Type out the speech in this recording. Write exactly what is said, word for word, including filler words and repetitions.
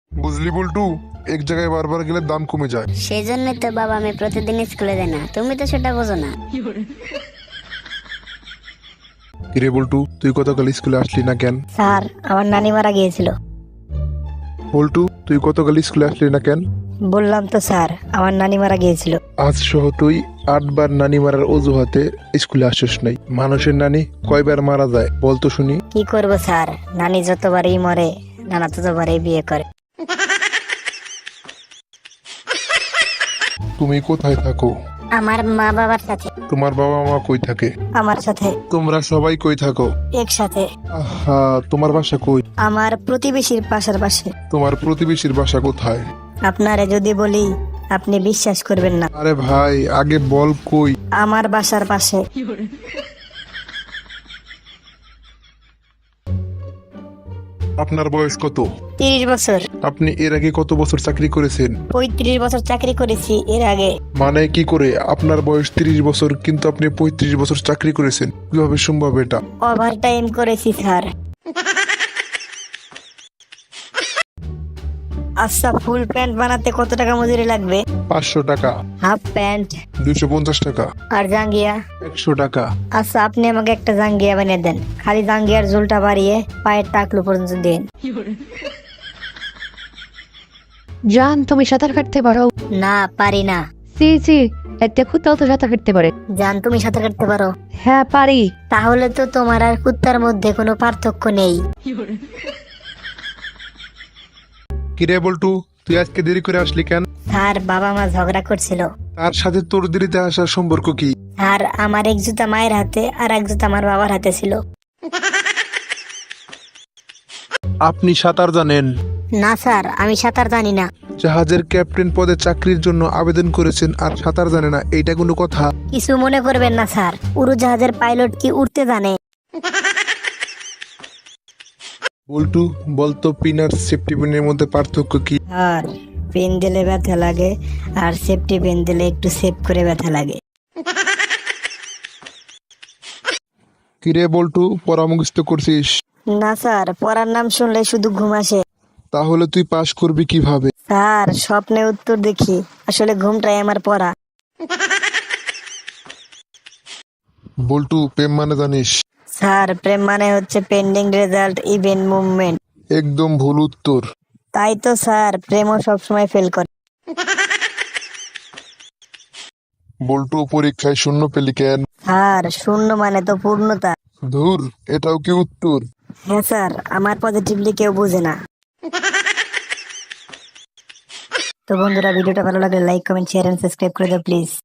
বুঝলি বল্টু, এক জায়গায় বারবার গেলে দাম কমে যায়। সেই জন্যই তো বাবা আমি প্রতিদিন স্কুলে যাই না, তুমি তো সেটা বোঝো না। কিরে বল্টু, তুই গতকাল স্কুলে আসলি না কেন? স্যার আমার নানি মারা গিয়েছিল। বল্টু, তুই গতকাল স্কুলে আসলি না কেন? বললাম তো স্যার আমার নানি মারা গিয়েছিল। আজ সহ তুই আটবার নানি মারার অজুহাতে স্কুলে আসিস নাই। মানুষের নানি কয়বার মারা যায় বলতো শুনি? কি করব স্যার, নানি যতবারই মরে নানা ততবারই বিয়ে করে। তুমি কোথায় থাকো? আমার মা বাবার সাথে। তোমার বাবা মা কই থাকে? আমার সাথে। তোমরা সবাই কই থাকো? একসাথে। আহা, তোমার বাসা কই? আমার প্রতিবেশীর পাশের পাশে। তোমার প্রতিবেশীর বাসা কোথায়? আপনারে যদি বলি আপনি বিশ্বাস করবেন না। আরে ভাই, আগে বল কই। আমার বাসার পাশে। আপনার বয়স কত? তিরিশ বছর। আপনি এর আগে কত বছর চাকরি করেছেন? পঁয়ত্রিশ বছর চাকরি করেছি এর আগে। মানে কি করে? আপনার বয়স তিরিশ বছর কিন্তু আপনি পঁয়ত্রিশ বছর চাকরি করেছেন, কিভাবে সম্ভব এটা? ওভার টাইম করেছি স্যার। আচ্ছা, ফুল প্যান্ট বানাতে কত টাকা মজুরি লাগবে? পাঁচশো টাকা। Half pant? দুইশো পঞ্চাশ টাকা। আর জাঙ্গিয়া? একশো টাকা। আচ্ছা, আপনি আমাকে একটা জাঙ্গিয়া বানিয়ে দেন, খালি জাঙ্গিয়ার ঝুলটা বাড়িয়ে পায়ের টাকলু পর্যন্ত দিন। জান, তুমি সাঁতার কাটতে পারো? না, পারি না। সি সি, এতে কুত্তাও তো সাঁতার কাটতে পারে। জান, তুমি সাঁতার কাটতে পারো? হ্যাঁ পারি। তাহলে তো তোমার আর কুত্তার মধ্যে কোনো পার্থক্য নেই। কিরে বল্টু, তুই আজকে দেরি করে আসলি কেন? স্যার বাবা মা ঝগড়া করছিল। তার সাথে তোর দেরিতে আসার সম্পর্ক কি? স্যার আমার এক জুতা মায়ের হাতে আর এক জুতা আমার বাবার হাতে ছিল। আপনি সাঁতার জানেন? না স্যার, আমি সাঁতার জানি না। জাহাজের ক্যাপ্টেন পদে চাকরির জন্য আবেদন করেছেন আর সাঁতার জানে না, এইটা কোনো কথা? কিছু মনে করবেন না স্যার, উড়োজাহাজের পাইলট কি উঠতে জানে? বল্টু, বলতো পিন আর সেফটি পিনের মধ্যে পার্থক্য কি? আর পেন দিলে ব্যথা লাগে, আর সেফটি পেন দিলে একটু সেভ করে ব্যথা লাগে। কিরে বল্টু, পরামর্শ করছিস? না স্যার, পড়ার নাম শুনলে শুধু ঘুম আসে। তাহলে তুই পাশ করবি কিভাবে? স্যার স্বপ্নে উত্তর দেখি, আসলে ঘুমটাই আমার পড়া। বল্টু, প্রেম মানে জানিস? স্যার প্রেম মানে হচ্ছে পেন্ডিং রেজাল্ট ইভেন্ট মুভমেন্ট। একদম ভুল উত্তর। তাই তো স্যার, প্রেমও সবসময় ফেল করে। বল্টু, পরীক্ষায় শূন্য পেলি কেন? স্যার শূন্য মানে তো পূর্ণতা। ধুর, এটাও কি উত্তর? হ্যাঁ স্যার, আমার পজিটিভলি কেউ বুঝে না। তো বন্ধুরা, ভিডিওটা ভালো লাগলে like comment share and subscribe করে দাও প্লিজ।